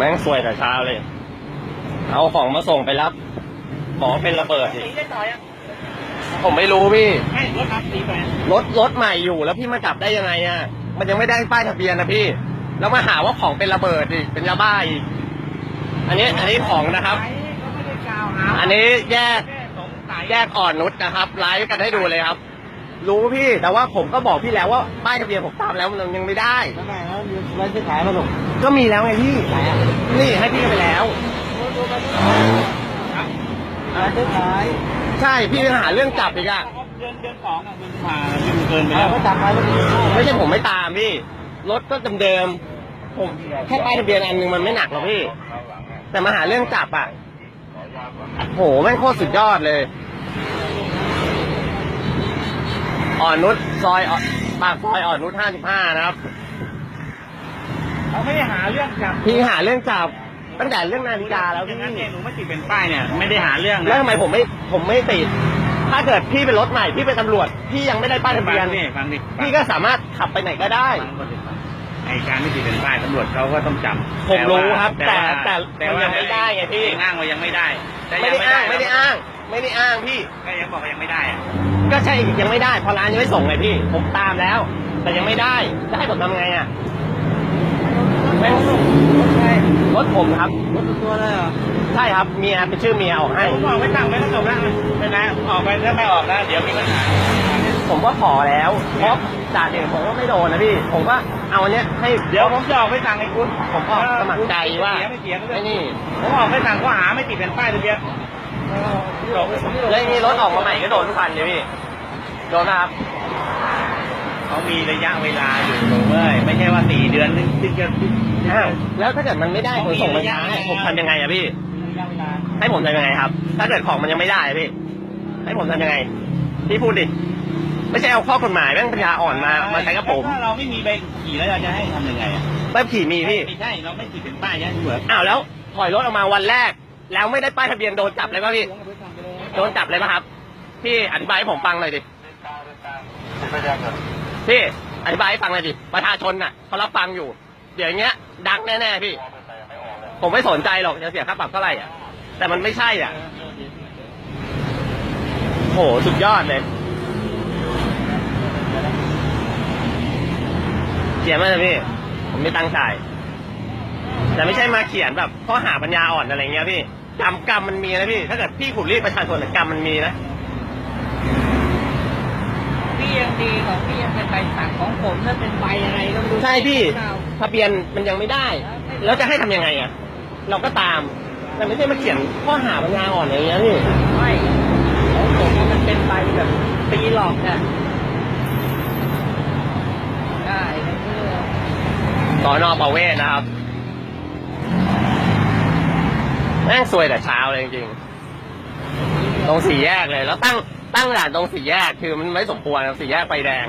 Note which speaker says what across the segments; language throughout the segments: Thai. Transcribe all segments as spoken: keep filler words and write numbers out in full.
Speaker 1: แม่งซวยแต่เช้าเลยเอาของมาส่งไปรับบอกเป็นระเบิดอีกผมไม่รู้พี่รถรับสีไปรถรถใหม่อยู่แล้วพี่มาจับได้ยังไงอ่ะมันยังไม่ได้ป้ายทะเบียนนะพี่แล้วมาหาว่าของเป็นระเบิดอีกเป็นยาบ้าอีกอันนี้อันนี้ของนะครับอันนี้แยกแยกอ่อนนุชนะครับไลฟ์กันให้ดูเลยครับรู้พี่แต่ว่าผมก็บอกพี่แล้วว่าป้ายทะเบียนผมตามแล้วมันยังไม่ได้
Speaker 2: ทำไมแล้วไว้ซื้อขายมาหรอก
Speaker 1: ก็มีแล้วไงพี่นี่ให้พี่ไปแล้ว
Speaker 2: อะไรซื้อขาย
Speaker 1: ใช่พี่หาเรื่องจับอีกอะ
Speaker 2: เดือนเดือนสองอ่ะมันมาเกินไปแล้วก็จับมาแล้ว
Speaker 1: ไม่ใช่ผมไม่ตามพี่รถก็เดิมๆผมแค่ป้ายทะเบียนอันนึงมันไม่หนักหรอกพี่แต่มาหาเรื่องจับอ่ะโหแม่งโคตรสุดยอดเลยอ่อนนุชซอยปากซอยอ่อนนุชห้าสิบห้านะครับ
Speaker 2: เขาไม่ได้หาเรื่องจับ
Speaker 1: พี่หาเรื่องจับตั้งแต่เรื่องนาฬิกาแล้วพี่
Speaker 2: งั้นเนี่ยหนูไม่ติดเป็นป้ายเนี่ยไม่ได้หาเรื่อง
Speaker 1: แล้วทำไมผมไม่ผมไม่ติดถ้าเกิดพี่เป็นรถใหม่พี่เป็นตำรวจพี่ยังไม่ได้ป้ายทะเบียนพี่ก็สามารถขับไปไหนก็ได้
Speaker 2: ไอการไม่ติดเป็นป้ายตำรวจเขาก็ต้องจับ
Speaker 1: ผมรู้ครับแต่แต่แต่ยังไม่ได้ไงพี่
Speaker 2: อ้างว่ายังไม่ได้
Speaker 1: ไม่ได้อ้างไม่ได้อ้างไม่ได้อ้างพี่
Speaker 2: ก็ยังบอกว่ายังไม่ได้
Speaker 1: ก็ใช่ยังไม่ได้พอร้านยังไม่ส่งเลยพี่ผมตามแล้วแต่ยังไม่ได้จะให้ผมทำไงอ่ะรถผมครับ
Speaker 2: รถตัวเลยเหรอ
Speaker 1: ใช่ครับเมียเป็นชื่อเมียออกให้
Speaker 2: ผมบอกไม่ตั้งไม่ต้องจบแล้วไม่นะออกไปถ้าไม่ออกนะเดี๋ยวมีปัญหา
Speaker 1: ผมก็ขอแล้วเพราะจ่าเองผมก็ไม่โดนนะพี่ผมก็เอาอันเนี้ยให้
Speaker 2: เดี๋ยวผมจะออกไปสั่งให้คุณ
Speaker 1: ผมก็สมัครใจว่าไอ้นี่
Speaker 2: ผมออกไปสั่งข้อหาไม่ติดเป็นป้ายทะเบียน
Speaker 1: แล้วนี่รถออกมาใหม่ก็โดนทุกคันเลยพี่โดนนะครับ
Speaker 2: เขามีระยะเวลาอยู่เว้ยไม่ใช่ว่าสี่เดือนนึงถึงจะ
Speaker 1: แล้วถ้าเกิดมันไม่ได้ผมส่งมาช้าผมทำยังไงอะพี่ให้ผมทำยังไงครับถ้าเกิดของมันยังไม่ได้พี่ให้ผมทำยังไงพี่พูดดิไม่ใช่เอาข้อกฎหมายแม่งปัญญาอ่อนมามาใช้กับผม
Speaker 2: ถ้าเราไม่มีใบขี่แล้วเราจะให้ทำยังไงอะ
Speaker 1: ใบขี่มีพี่
Speaker 2: ไม่ใช่เราไม่ติดเป็นป้ายเนี่ยเหมือน
Speaker 1: อ้าวแล้วถอยรถออกมาวันแรกแล้วไม่ได้ป้ายทะเบียนโดนจับเลยป่ะพี่โดนจับเลยป่ะครับพี่อธิบายให้ผมฟังหน่อยดิพี่อธิบายให้ฟังหน่อยดิประชาชนน่ะเขารับฟังอยู่เดี๋ยวอย่างเงี้ยดังแน่ๆพี่ผมไม่สนใจหรอกจะเสียค่าปรับเท่าไหร่อ่ะแต่มันไม่ใช่อ่ะโหสุดยอดเลยเขียนมาเลยพี่ผมไม่ตั้งใจแต่ไม่ใช่มาเขียนแบบข้อหาปัญญาอ่อนอะไรเงี้ยพี่กรรมกรรมมันมีนะพี่ถ้าเกิดพี่ขุดรีดประชาชนกรรมมันมีนะ
Speaker 2: พี่ยังดีของพี่ยังเป็นใบสั่งของผมนั่นเป็นใบอะไรก็ไม่รู้
Speaker 1: ใช่พี่ทะเบียนมันยังไม่ได้แล้วจะให้ทำยังไงอ่ะเราก็ตามแต่ไม่ใช่มาเขียนข้อหาปัญญาอ่อนอะไรเงี้ยพี่
Speaker 2: ไม่ของผมมันเป็นใบแบบปีหลอกเนี่ยได้
Speaker 1: สอนอประเวศนะครับแม่งซวยแต่เช้าเลยจริงๆตรงสี่แยกเลยแล้วตั้งตั้งด่านตรงสี่แยกคือมันไม่สมควรสี่แยกไฟแดง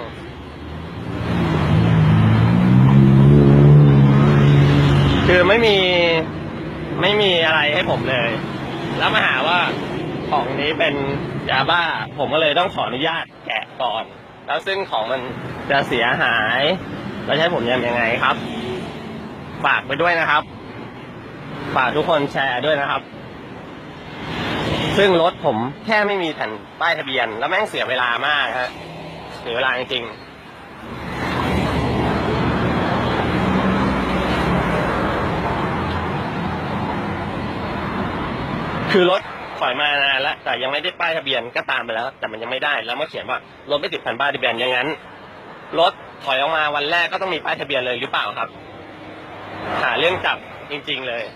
Speaker 1: คือไม่มีไม่มีอะไรให้ผมเลยแล้วมาหาว่าของนี้เป็นยาบ้าผมก็เลยต้องขออนุญาตแกะก่อนแล้วซึ่งของมันจะเสียหายแล้วใช้ผมยังไงครับฝากไปด้วยนะครับฝากทุกคนแชร์ด้วยนะครับซึ่งรถผมแค่ไม่มีแผ่นป้ายทะเบียนแล้วแม่งเสียเวลามากฮะเสียเวลาจริงๆคือรถถอยมานานแล้วแต่ยังไม่ได้ป้ายทะเบียนก็ตามไปแล้วแต่มันยังไม่ได้แล้วมาเขียนว่ารถไม่ติดแผ่นป้ายทะเบียนอย่างนั้นรถถอยออกมาวันแรกก็ต้องมีป้ายทะเบียนเลยหรือเปล่าครับหาเรื่องจับจริงๆเลย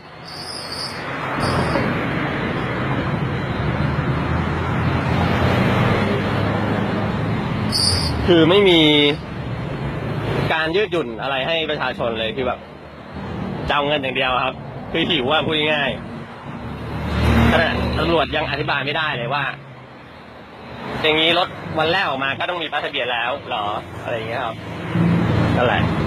Speaker 1: คือไม่มีการยืดหยุ่นอะไรให้ประชาชนเลยคือแบบจะเอาเงินอย่างเดียวครับคือหิวว่าพูดง่ายๆขณะตำรวจยังอธิบายไม่ได้เลยว่าอย่างนี้รถวันแรกออกมาก็ต้องมีป้ายทะเบียนแล้วหรออะไรอย่างเงี้ยครับนั่นแหละ